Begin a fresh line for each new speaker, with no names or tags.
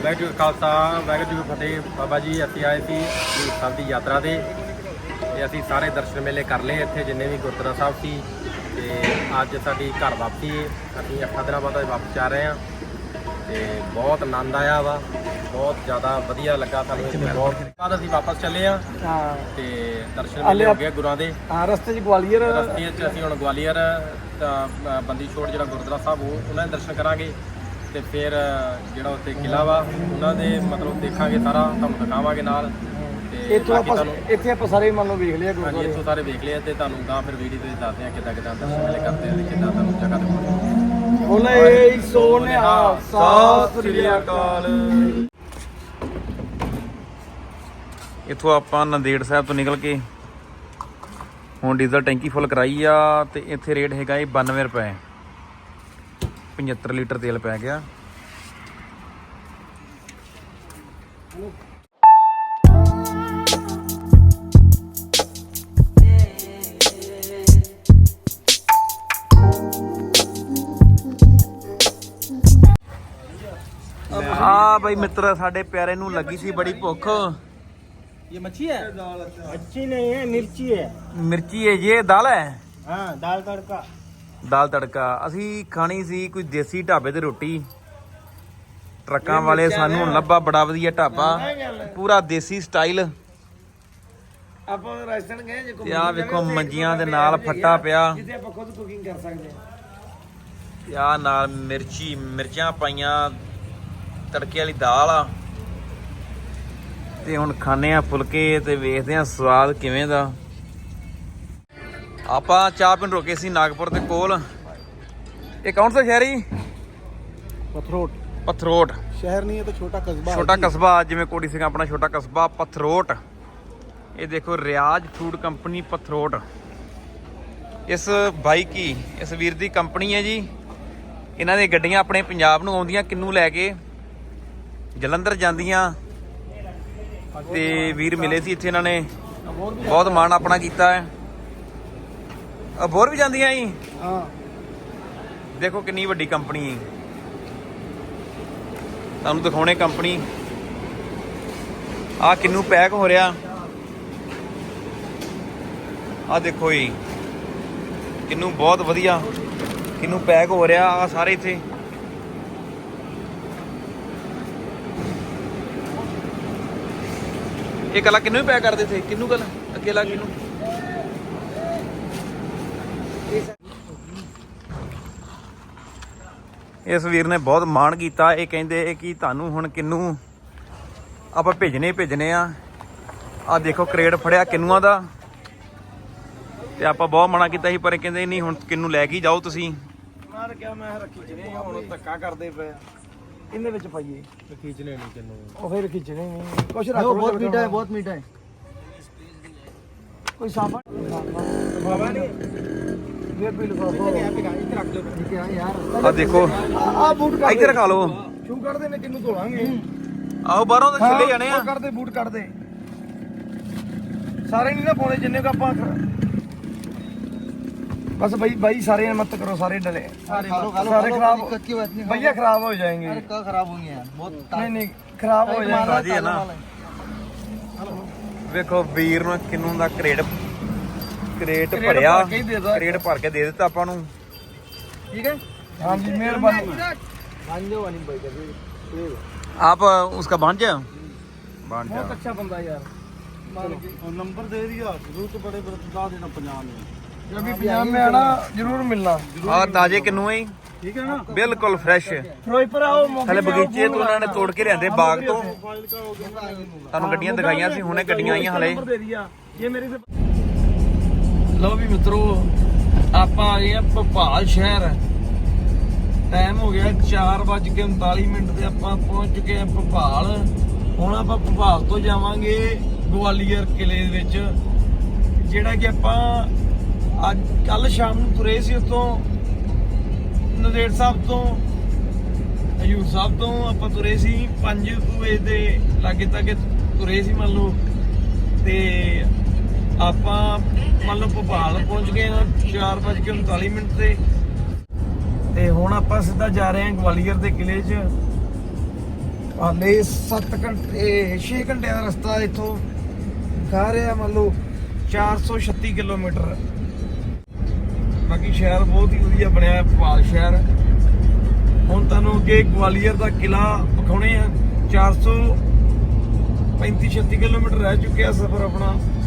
ਵਾਹਿਗੁਰੂ ਜੀ ਕਾ ਖਾਲਸਾ ਵਾਹਿਗੁਰੂ ਜੀ ਕੀ ਫਤਿਹ। ਬਾਬਾ ਜੀ ਅਸੀਂ ਆਏ ਸੀ ਹਜ਼ੂਰ ਸਾਹਿਬ ਦੀ ਯਾਤਰਾ ਤੇ ਅਸੀਂ ਸਾਰੇ ਦਰਸ਼ਨ ਮੇਲੇ ਕਰ ਲਏ ਇੱਥੇ ਜਿੰਨੇ ਵੀ ਗੁਰਦੁਆਰਾ ਸਾਹਿਬ ਸੀ। ਤੇ ਅੱਜ ਸਾਡੀ ਘਰ ਵਾਪਸੀ ਹੈ। ਅਸੀਂ 8 ਦਿਨਾਂ ਬਾਅਦ ਵਾਪਸ ਆ ਰਹੇ ਹਾਂ ਤੇ ਬਹੁਤ ਆਨੰਦ ਆਇਆ ਵਾ, ਬਹੁਤ ਜ਼ਿਆਦਾ ਵਧੀਆ ਲੱਗਾ ਸਾਨੂੰ ਇੱਥੇ। ਬਹੁਤ ਬਾਅਦ ਅਸੀਂ ਵਾਪਸ ਚੱਲੇ ਹਾਂ ਤੇ ਦਰਸ਼ਨ ਮੇਲੇ ਹੋ ਗਏ ਗੁਰਾਂ ਦੇ।
ਰਸਤੇ 'ਚ ਗਵਾਲੀਅਰ,
ਰਸਤੇ 'ਚ ਅਸੀਂ ਹੁਣ ਗਵਾਲੀਅਰ ਬੰਦੀ ਛੋੜ ਜਿਹੜਾ ਗੁਰਦੁਆਰਾ ਸਾਹਿਬ ਉਹਨਾਂ ਦੇ ਦਰਸ਼ਨ ਕਰਾਂਗੇ ਤੇ ਫਿਰ ਜਿਹੜਾ ਉੱਥੇ ਕਿਲ੍ਹਾ ਵਾ ਉਹਨਾਂ ਦੇ ਮਤਲਬ ਦੇਖਾਂਗੇ, ਸਾਰਾ ਤੁਹਾਨੂੰ ਦਿਖਾਵਾਂਗੇ ਨਾਲ। ਤੇ
ਇੱਥੋਂ ਆਪਾਂ ਸਾਰੇ ਮੰਨ ਲਓ ਵੇਖ ਲਿਆ
ਹਾਂਜੀ, ਇੱਥੋਂ ਸਾਰੇ ਵੇਖ ਲਿਆ ਤੇ ਤੁਹਾਨੂੰ ਤਾਂ ਫਿਰ ਵੀਡੀਓ ਤੇ ਦੱਸਦੇ ਹਾਂ ਕਿੱਦਾਂ ਕਿੱਦਾਂ ਦਰਸ਼ਨ ਮੇਲੇ ਕਰਦੇ ਆ ਤੇ ਕਿੱਦਾਂ ਤੁਹਾਨੂੰ ਜਗ੍ਹਾ ਦਿਖਾਉਂਦੇ।
ਬੋਲੇ ਸੋਨਿਹਾ ਸਤਿ ਸ੍ਰੀ ਅਕਾਲ।
ਇੱਥੋਂ ਆਪਾਂ ਨੰਦੇੜ ਸਾਹਿਬ ਤੋਂ ਨਿਕਲ ਕੇ ਹੁਣ ਡੀਜ਼ਲ ਟੈਂਕੀ ਫੁੱਲ ਕਰਾਈ ਆ ਤੇ ਇੱਥੇ ਰੇਟ ਹੈਗਾ 92 ਰੁਪਏ, 75 ਲੀਟਰ ਤੇਲ ਪੈ ਗਿਆ। ਆ ਬਈ ਮਿੱਤਰ ਸਾਡੇ ਪਿਆਰੇ ਨੂੰ ਲੱਗੀ ਸੀ ਬੜੀ ਭੁੱਖ।
ये मच्छी है? मच्छी नहीं है, मिर्ची है।
ਮਿਰਚੀ ਹੈ ਜੀ, ਦਾਲ ਹੈ।
हाँ, दाल तड़का।
ਦਾਲ ਤੜਕਾ ਅਸੀਂ ਖਾਣੀ ਸੀ ਕੋਈ ਦੇਸੀ ਢਾਬੇ ਤੇ ਰੋਟੀ। ਟਰੱਕਾਂ ਵਾਲੇ ਸਾਨੂੰ ਹੁਣ ਲੱਭਾ ਬੜਾ ਵਧੀਆ ਢਾਬਾ, ਪੂਰਾ ਦੇਸੀ ਸਟਾਈਲ।
ਆਪਾਂ ਰਾਜਸਥਾਨ ਗਏ ਜੇ
ਤੇ ਆ ਵੇਖੋ ਮੰਜੀਆਂ ਦੇ ਨਾਲ ਫੱਟਾ ਪਿਆ,
ਜਿੱਥੇ ਆਪਾਂ ਖੁਦ ਕੁਕਿੰਗ ਕਰ ਸਕਦੇ ਹਾਂ।
ਤੇ ਆ ਨਾਲ ਮਿਰਚਾਂ ਪਾਈਆਂ, ਤੜਕੇ ਵਾਲੀ ਦਾਲ ਆ। ਤੇ ਹੁਣ ਖਾਣੇ ਆ ਫੁਲਕੇ ਤੇ ਵੇਖਦੇ ਆ ਸਵਾਦ ਕਿਵੇਂ ਦਾ। ਆਪਾਂ ਚਾਹ ਪੀਣ ਰੁਕੇ ਸੀ ਨਾਗਪੁਰ ਦੇ ਕੋਲ। ਇਹ ਕੌਣ ਸਾ ਸ਼ਹਿਰ ਹੈ? पथरोट
शहर नहीं है तो छोटा कस्बा।
छोटा कस्बा, जिमें कोटी सिंह अपना छोटा कस्बा पथरोट। ये देखो रियाज फूड कंपनी पथरोट, इस भाई की इस वीर दी कंपनी है जी। इन्हां दी गड्डियां अपने पंजाब नूं आउंदियां, किन्नू लैके जलंधर जांदियां ते वीर मिले सी इत्थे। इन्हां ने बहुत मान अपना कीता है। अबोर भी जांदियां जी।
हाँ,
देखो कितनी वड्डी कंपनी है। ਤੁਹਾਨੂੰ ਦਿਖਾਉਣੇ ਕੰਪਨੀ ਆ ਕਿੰਨੂ ਪੈਕ ਹੋ ਰਿਹਾ। ਆ ਦੇਖੋ ਜੀ ਕਿੰਨੂ ਬਹੁਤ ਵਧੀਆ ਕਿੰਨੂ ਪੈਕ ਹੋ ਰਿਹਾ ਆ ਸਾਰੇ ਇੱਥੇ। ਇਹ ਕਲਾ ਕਿੰਨੂ ਹੀ ਪੈਕ ਕਰਦੇ ਥੇ, ਕਿੰਨੂ ਕਲ ਅਕੇਲਾ ਕਿੰਨੂ। ਇਸ ਵੀਰ ਨੇ ਬਹੁਤ ਮਾਣ ਕੀਤਾ। ਇਹ ਕਹਿੰਦੇ ਕਿ ਤੁਹਾਨੂੰ ਹੁਣ ਕਿੰਨੂ ਆਪਾਂ ਭੇਜਣੇ ਆ। ਆ ਦੇਖੋ ਕਰੇਟ ਫੜਿਆ ਕਿੰਨੂਆਂ ਦਾ, ਤੇ ਆਪਾਂ ਬਹੁਤ ਮਨਾ ਕੀਤਾ ਸੀ ਪਰ ਇਹ ਕਹਿੰਦੇ ਨਹੀਂ ਹੁਣ ਕਿੰਨੂ ਲੈ ਕੇ ਜਾਓ ਤੁਸੀਂ।
ਮਾਰ ਕਿਹਾ ਮੈਂ ਰੱਖੀ ਜਨੇ ਹੁਣ ਧੱਕਾ ਕਰਦੇ ਪਏ। ਇਹਦੇ ਵਿੱਚ ਪਾਈਏ
ਖੀਚਣੇ ਨਹੀਂ ਕਿੰਨੂੰ,
ਉਹ ਫਿਰ ਖਿੱਚਣੇ ਨਹੀਂ ਕੁਛ ਰੱਖ ਲਓ। ਬਹੁਤ ਮੀਠਾ ਹੈ, ਬਹੁਤ ਮੀਠਾ ਹੈ। ਕੋਈ ਸਾਫਾ ਬਾਬਾ ਨਹੀਂ ਇਹ ਬਿਲ ਬਾਬਾ ਇੱਥੇ ਰੱਖ ਲਓ। ਠੀਕ ਹੈ ਯਾਰ,
ਆ ਦੇਖੋ
ਆ ਬੂਟ ਕੱਢ
ਇੱਥੇ ਰਖਾ ਲਓ।
ਸ਼ੂ ਕੱਢਦੇ ਨੇ ਕਿੰਨੂੰ ਧੋਲਾਂਗੇ।
ਆਓ ਬਾਹਰੋਂ ਤਾਂ ਛਿੱਲੇ ਜਾਣੇ ਆ।
ਕੱਢਦੇ ਬੂਟ ਕੱਢਦੇ ਸਾਰੇ ਨਹੀਂ ਨਾ ਪਾਉਣੇ ਜਿੰਨੇ ਕ ਆਪਾਂ। बस भाई सारे मत करो, सारे डले सारे खराब, भैया खराब हो जाएंगे। खराब होंगे यार, बहुत नहीं खराब हो जाएंगे
जी है ना। ਵੇਖੋ ਵੀਰ ਨੂੰ ਕਿੰਨੂ ਦਾ ਕਰੇਟ ਭਰਿਆ, ਕਰੇਟ ਭਰ ਕੇ ਦੇ ਦਿੱਤਾ ਆਪਾਂ ਨੂੰ।
ठीक है, हाँ जी मेहरबानी।
आप उसका भांजा
बहुत अच्छा बंदा यार, नंबर दे दिया। जरूर तो बड़े बता देना पंजाब में, जब भी पंजाब में आना जरूर मिलना।
हाँ ताजे किन्नू है,
ठीक है ना,
बिल्कुल फ्रेश।
फिरोजपुर आओ,
हले बगीचे तो उन्होंने तोड़ के लिਆਂਦੇ ਬਾਗ ਤੋਂ। ਤੁਹਾਨੂੰ ਗੱਡੀਆਂ ਦਿਖਾਈਆਂ ਸੀ, ਹੁਣੇ ਗੱਡੀਆਂ ਆਈਆਂ ਹਲੇ।
ਲਓ ਵੀ ਮਿੱਤਰੋ ਆਪਾਂ ਆ ਗਏ ਆ ਭੋਪਾਲ ਸ਼ਹਿਰ। ਟਾਈਮ ਹੋ ਗਿਆ 4:39 ਤੇ ਆਪਾਂ ਪਹੁੰਚ ਚੁੱਕੇ ਆ ਭੋਪਾਲ। ਹੁਣ ਆਪਾਂ ਭੋਪਾਲ ਤੋਂ ਜਾਵਾਂਗੇ ਗਵਾਲੀਅਰ ਕਿਲੇ ਦੇ ਵਿੱਚ, ਜਿਹੜਾ ਕਿ ਆਪਾਂ ਅੱਜ ਕੱਲ ਸ਼ਾਮ ਨੂੰ ਤੁਰੇ ਸੀ। ਉੱਥੋਂ ਨੰਦੇੜ ਸਾਹਿਬ ਤੋਂ ਹਜ਼ੂਰ ਸਾਹਿਬ ਤੋਂ ਆਪਾਂ ਤੁਰੇ ਸੀ 5 ਵਜੇ ਦੇ ਲਾਗੇ ਤੱਕ ਤੁਰੇ ਸੀ ਮੰਨ ਲਓ। ਤੇ ਆਪਾਂ ਮੰਨ ਲਓ ਭੋਪਾਲ ਪਹੁੰਚ ਗਏ ਹਾਂ 4:39 ਤੇ ਹੁਣ ਆਪਾਂ ਸਿੱਧਾ ਜਾ ਰਹੇ ਹਾਂ ਗਵਾਲੀਅਰ ਦੇ ਕਿਲੇ 'ਚ। ਹਾਲੇ 7 ਘੰਟੇ 6 ਘੰਟੇ ਦਾ ਰਸਤਾ ਇੱਥੋਂ ਖਾ ਰਿਹਾ ਮੰਨ ਲਓ 436 ਕਿਲੋਮੀਟਰ। ਬਾਕੀ ਸ਼ਹਿਰ ਬਹੁਤ ਹੀ ਵਧੀਆ ਬਣਿਆ ਹੈ ਭੋਪਾਲ ਸ਼ਹਿਰ। ਹੁਣ ਤੁਹਾਨੂੰ ਅੱਗੇ ਗਵਾਲੀਅਰ ਦਾ ਕਿਲਾ ਵਿਖਾਉਣੇ ਆ। 435-36 ਕਿਲੋਮੀਟਰ ਰਹਿ ਚੁੱਕਿਆ ਸਫ਼ਰ ਆਪਣਾ।